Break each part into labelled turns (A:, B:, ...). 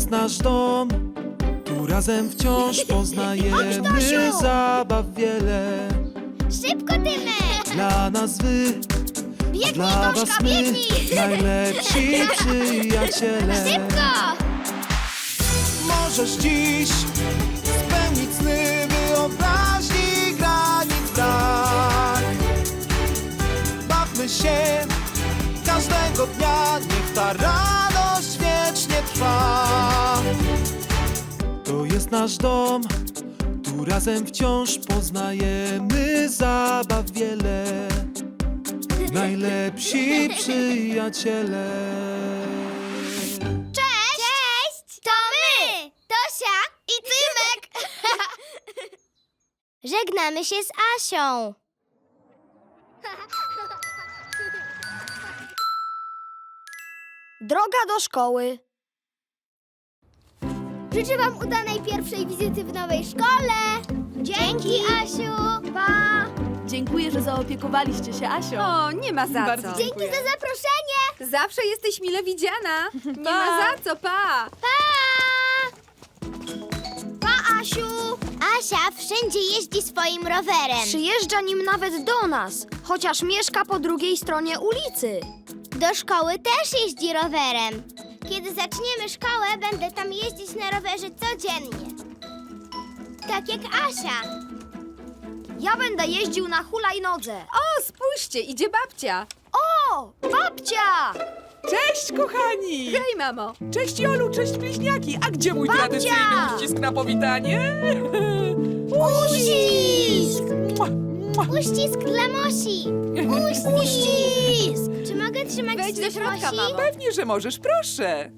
A: jest nasz dom, tu razem wciąż poznajemy
B: Tosiu!
A: zabaw wiele.
B: Szybko, Tymek!
A: Dla nas wy,
B: Biegnij,
A: dla was
B: Toszka,
A: my,
B: biegnij!
A: najlepsi przyjaciele.
B: Szybko!
A: Możesz dziś spełnić sny wyobraźni granic brak. Bawmy się każdego dnia, niech ta radość wiecznie trwa. To jest nasz dom, tu razem wciąż poznajemy zabaw wiele. Najlepsi przyjaciele.
B: Cześć! Cześć! To my! Tosia i Tymek! Żegnamy się z Asią.
C: Droga do szkoły.
B: Życzę wam udanej pierwszej wizyty w nowej szkole. Dzięki, Asiu. Pa!
D: Dziękuję, że zaopiekowaliście się Asią.
E: O, nie ma za
D: Bardzo
E: co.
B: Dzięki za zaproszenie.
E: Zawsze jesteś mile widziana. Nie ma za co, pa!
B: Pa, Asiu. Asia wszędzie jeździ swoim rowerem.
C: Przyjeżdża nim nawet do nas, chociaż mieszka po drugiej stronie ulicy.
B: Do szkoły też jeździ rowerem. Kiedy zaczniemy szkołę, będę tam jeździć na rowerze codziennie. Tak jak Asia.
C: Ja będę jeździł na hulajnodze.
E: O, spójrzcie, idzie babcia.
C: O, babcia!
F: Cześć, kochani!
E: Hej, mamo.
F: Cześć, Jolu, cześć, bliźniaki! A gdzie mój
C: Babcia!
F: tradycyjny uścisk na powitanie?
B: Uścisk!
F: Mua, mua.
B: Uścisk dla Mosi! Uścisk! Czy mogę trzymać
E: Wejdź do
B: ślub
E: środka,
B: Mosi?
E: mamo.
F: Pewnie, że możesz, proszę.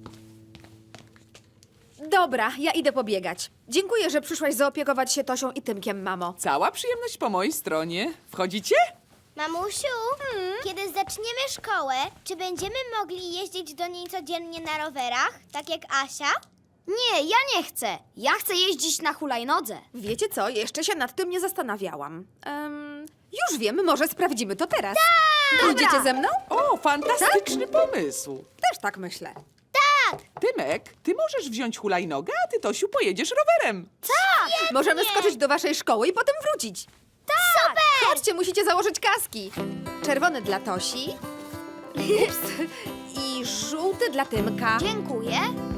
E: Dobra, ja idę pobiegać. Dziękuję, że przyszłaś zaopiekować się Tosią i Tymkiem, mamo.
F: Cała przyjemność po mojej stronie. Wchodzicie?
B: Mamusiu, kiedy zaczniemy szkołę, czy będziemy mogli jeździć do niej codziennie na rowerach, tak jak Asia?
C: Nie, ja nie chcę. Ja chcę jeździć na hulajnodze.
E: Wiecie co? Jeszcze się nad tym nie zastanawiałam. Już wiem, może sprawdzimy to teraz. Idziecie ze mną?
F: O, fantastyczny pomysł.
E: Też tak myślę.
F: Tymek, ty możesz wziąć hulajnogę, a ty, Tosiu, pojedziesz rowerem.
E: Możemy skoczyć do waszej szkoły i potem wrócić.
B: Super!
E: Chodźcie, musicie założyć kaski. Czerwony dla Tosi. Ups. I żółty dla Tymka.
C: Dziękuję.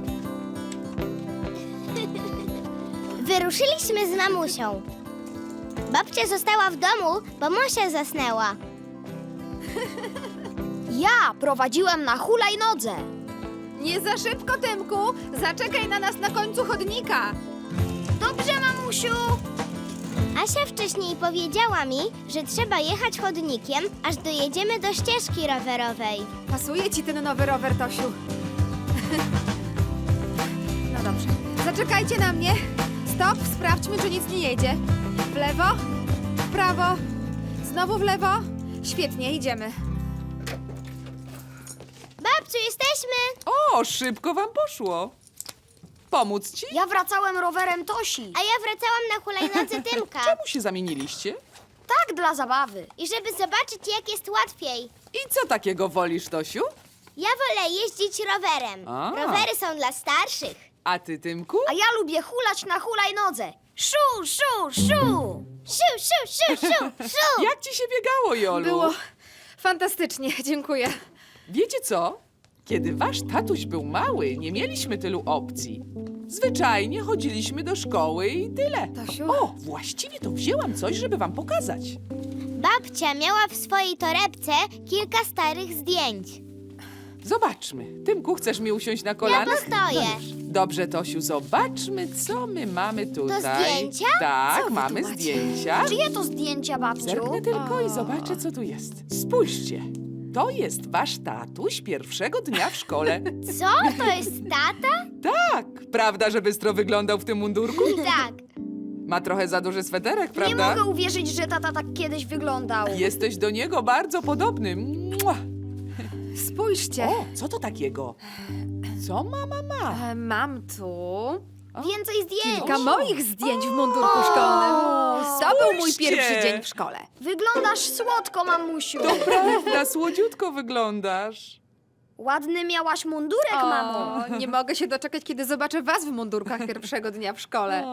B: Wyruszyliśmy z mamusią. Babcia została w domu, bo Mosia zasnęła.
C: Ja prowadziłem na hulajnodze.
E: Nie za szybko, Tymku! Zaczekaj na nas na końcu chodnika!
C: Dobrze, mamusiu.
B: Asia wcześniej powiedziała mi, że trzeba jechać chodnikiem, aż dojedziemy do ścieżki rowerowej.
E: Pasuje ci ten nowy rower, Tosiu. No dobrze. Zaczekajcie na mnie. Stop, sprawdźmy, czy nic nie jedzie. W lewo, w prawo, znowu w lewo. Świetnie, idziemy.
B: Babciu, jesteśmy!
F: O, szybko wam poszło. Pomóc ci?
C: Ja wracałem rowerem Tosi.
B: A ja wracałam na hulajnodze Tymka.
F: Czemu się zamieniliście?
C: Tak, dla zabawy.
B: I żeby zobaczyć, jak jest łatwiej.
F: I co takiego wolisz, Tosiu?
B: Ja wolę jeździć rowerem.
F: A.
B: Rowery są dla starszych.
F: A ty, Tymku?
C: A ja lubię hulać na hulajnodze. Szu, szu, szu.
B: Szu, szu, szu, szu, szu!
F: Jak ci się biegało, Jolu?
E: Było fantastycznie, dziękuję.
F: Wiecie co? Kiedy wasz tatuś był mały, nie mieliśmy tylu opcji. Zwyczajnie chodziliśmy do szkoły i tyle.
E: Tosiu?
F: O, właściwie to wzięłam coś, żeby wam pokazać.
B: Babcia miała w swojej torebce kilka starych zdjęć.
F: Zobaczmy. Tymku, chcesz mi usiąść na
B: Ja
F: kolanach?
B: postoję.
F: Dobrze, Tosiu, zobaczmy, co my mamy tutaj.
B: zdjęcia?
F: Tak,
E: Co wy
F: mamy
E: tu macie?
F: zdjęcia.
C: Czyje to zdjęcia, babciu?
F: Zerknę tylko i zobaczę, co tu jest. Spójrzcie. To jest wasz tatuś pierwszego dnia w szkole.
B: Co? To jest tata?
F: Tak, prawda, że bystro wyglądał w tym mundurku?
B: Tak.
F: Ma trochę za duży sweterek,
C: Nie
F: prawda?
C: mogę uwierzyć, że tata tak kiedyś wyglądał.
F: Jesteś do niego bardzo podobny. Mua.
E: Spójrzcie.
F: O, co to takiego? Co mama ma?
E: Mam tu
B: Więcej zdjęć.
E: kilka moich zdjęć w mundurku szkolnym. To był mój
F: spójrzcie.
E: pierwszy dzień w szkole.
C: Wyglądasz słodko, mamusiu.
F: To prawda, słodziutko wyglądasz.
C: Ładny miałaś mundurek, mamo.
E: O, nie mogę się doczekać, kiedy zobaczę was w mundurkach pierwszego dnia w szkole.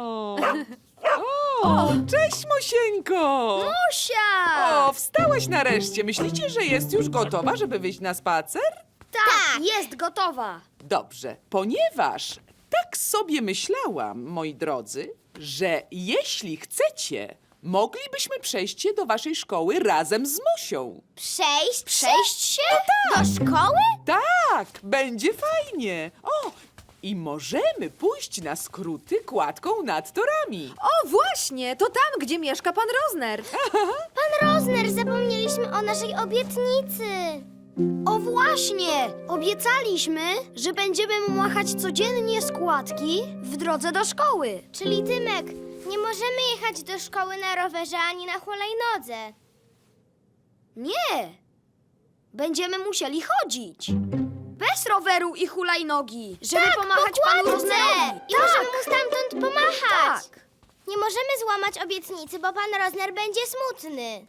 F: O, cześć, Mosieńko!
C: Musia!
F: O, wstałaś nareszcie. Myślicie, że jest już gotowa, żeby wyjść na spacer?
C: Tak, jest gotowa.
F: Dobrze, ponieważ tak sobie myślałam, moi drodzy, że jeśli chcecie, moglibyśmy przejść się do waszej szkoły razem z Mosią.
B: Przejść?
C: Przejść się?
B: Do szkoły?
F: Tak, będzie fajnie. O, i możemy pójść na skróty kładką nad torami.
E: O, właśnie, to tam, gdzie mieszka pan Rozner.
B: Pan Rozner, zapomnieliśmy o naszej obietnicy.
C: O właśnie! Obiecaliśmy, że będziemy mu machać codziennie składki w drodze do szkoły.
B: Czyli Tymek, nie możemy jechać do szkoły na rowerze ani na hulajnodze.
C: Nie! Będziemy musieli chodzić. Bez roweru i hulajnogi, żeby pomachać panu Roznerowi.
B: I możemy mu stamtąd pomachać.
C: Tak.
B: Nie możemy złamać obietnicy, bo pan Rozner będzie smutny.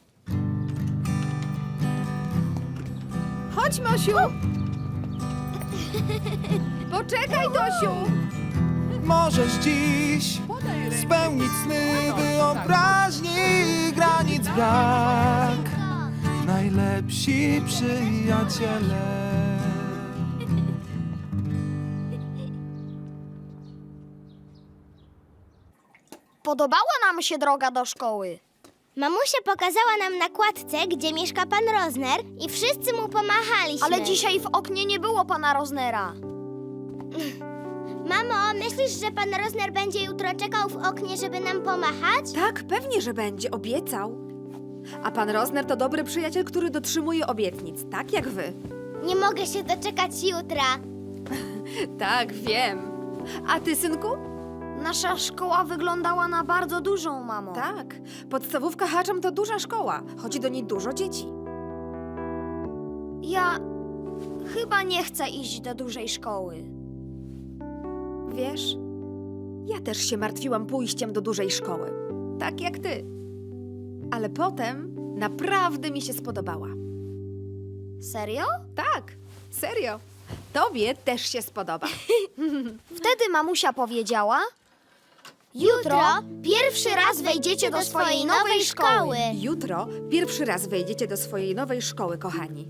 E: Chodź, Mosiu. Poczekaj, Tosiu.
A: Możesz dziś spełnić sny wyobraźni, granic brak. Najlepsi przyjaciele.
C: Podobała nam się droga do szkoły.
B: Mamusia pokazała nam na kładce, gdzie mieszka pan Rozner i wszyscy mu pomachaliśmy.
C: Ale dzisiaj w oknie nie było pana Roznera.
B: Mamo, myślisz, że pan Rozner będzie jutro czekał w oknie, żeby nam pomachać?
E: Tak, pewnie, że będzie, obiecał. A pan Rozner to dobry przyjaciel, który dotrzymuje obietnic, tak jak wy.
B: Nie mogę się doczekać jutra.
E: Tak, wiem. A ty, synku?
C: Nasza szkoła wyglądała na bardzo dużą, mamo.
E: Tak. Podstawówka Haczam to duża szkoła. Chodzi do niej dużo dzieci.
C: Ja chyba nie chcę iść do dużej szkoły.
E: Wiesz, ja też się martwiłam pójściem do dużej szkoły. Tak jak ty. Ale potem naprawdę mi się spodobała.
C: Serio?
E: Tak, serio. Tobie też się spodoba.
C: Wtedy mamusia powiedziała: jutro pierwszy raz wejdziecie do swojej nowej szkoły.
E: Jutro pierwszy raz wejdziecie do swojej nowej szkoły, kochani.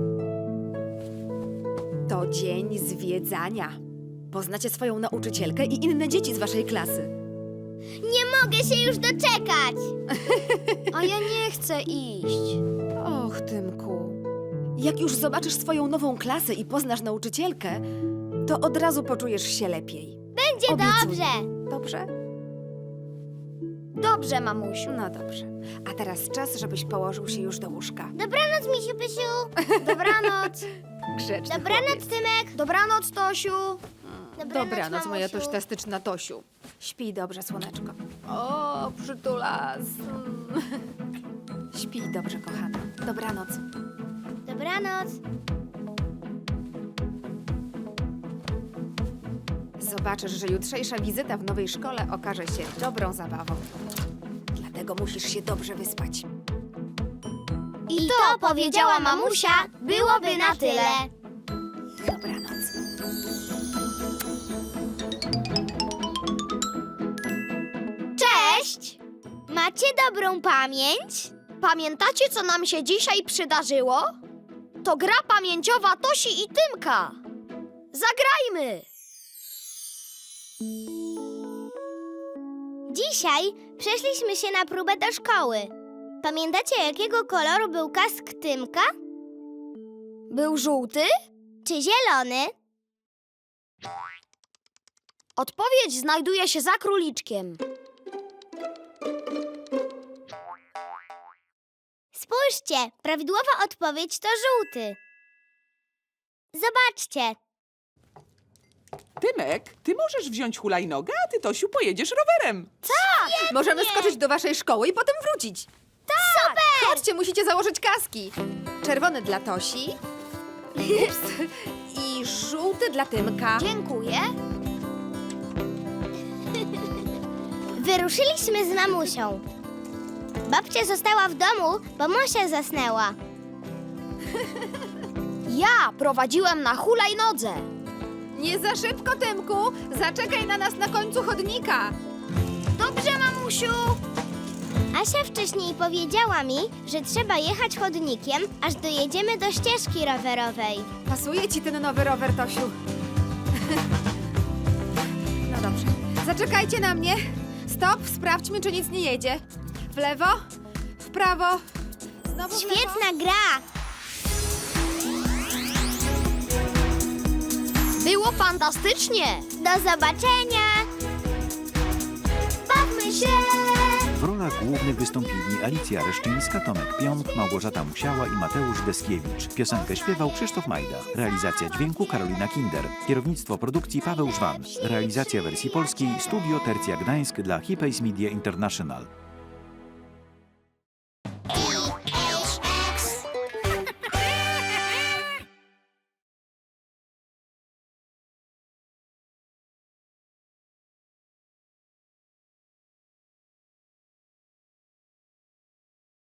E: To dzień zwiedzania. Poznacie swoją nauczycielkę i inne dzieci z waszej klasy.
B: Nie mogę się już doczekać.
C: A ja nie chcę iść.
E: Och, Tymku. Jak już zobaczysz swoją nową klasę i poznasz nauczycielkę, to od razu poczujesz się lepiej.
B: Będzie
E: Obiecuję.
B: dobrze.
E: Dobrze?
C: Dobrze, mamusiu.
E: No dobrze. A teraz czas, żebyś położył się już do łóżka.
B: Dobranoc, misiu pysiu.
C: Dobranoc.
E: Grzeczny
B: Dobranoc,
E: chłopiec.
B: Tymek.
C: Dobranoc, Tosiu.
E: Dobranoc, moja
B: mamusiu.
E: tośtastyczna Tosiu. Śpij dobrze, słoneczko. O, przytulas. Śpij dobrze, kochana. Dobranoc.
B: Dobranoc.
E: Zobaczysz, że jutrzejsza wizyta w nowej szkole okaże się dobrą zabawą. Dlatego musisz się dobrze wyspać.
B: I to, powiedziała mamusia, byłoby na tyle.
E: Dobranoc.
B: Cześć! Macie dobrą pamięć?
C: Pamiętacie, co nam się dzisiaj przydarzyło? To gra pamięciowa Tosi i Tymka. Zagrajmy!
B: Dzisiaj przeszliśmy się na próbę do szkoły. Pamiętacie, jakiego koloru był kask Tymka?
C: Był żółty?
B: Czy zielony?
C: Odpowiedź znajduje się za króliczkiem.
B: Spójrzcie, prawidłowa odpowiedź to żółty. Zobaczcie.
F: Tymek, ty możesz wziąć hulajnogę, a ty, Tosiu, pojedziesz rowerem.
E: Możemy skoczyć do waszej szkoły i potem wrócić. Tak! Super! Chodźcie, musicie założyć kaski. Czerwony dla Tosi. Ups. I żółty dla Tymka.
C: Dziękuję.
B: Wyruszyliśmy z mamusią. Babcia została w domu, bo Mosia zasnęła.
C: Ja prowadziłem na hulajnodze.
E: Nie za szybko, Tymku! Zaczekaj na nas na końcu chodnika!
C: Dobrze, mamusiu.
B: Asia wcześniej powiedziała mi, że trzeba jechać chodnikiem, aż dojedziemy do ścieżki rowerowej.
E: Pasuje ci ten nowy rower, Tosiu. No dobrze. Zaczekajcie na mnie. Stop, sprawdźmy, czy nic nie jedzie. W lewo, w prawo, znowu w lewo.
B: Świetna gra!
C: Było fantastycznie.
B: Do zobaczenia! Bawmy się!
G: W rolach głównych wystąpili Alicja Reszczyńska, Tomek Pionk, Małgorzata Musiała i Mateusz Deskiewicz. Piosenkę śpiewał Krzysztof Majda. Realizacja dźwięku Karolina Kinder. Kierownictwo produkcji Paweł Żwan. Realizacja wersji polskiej Studio Tercja Gdańsk dla Hipays Media International.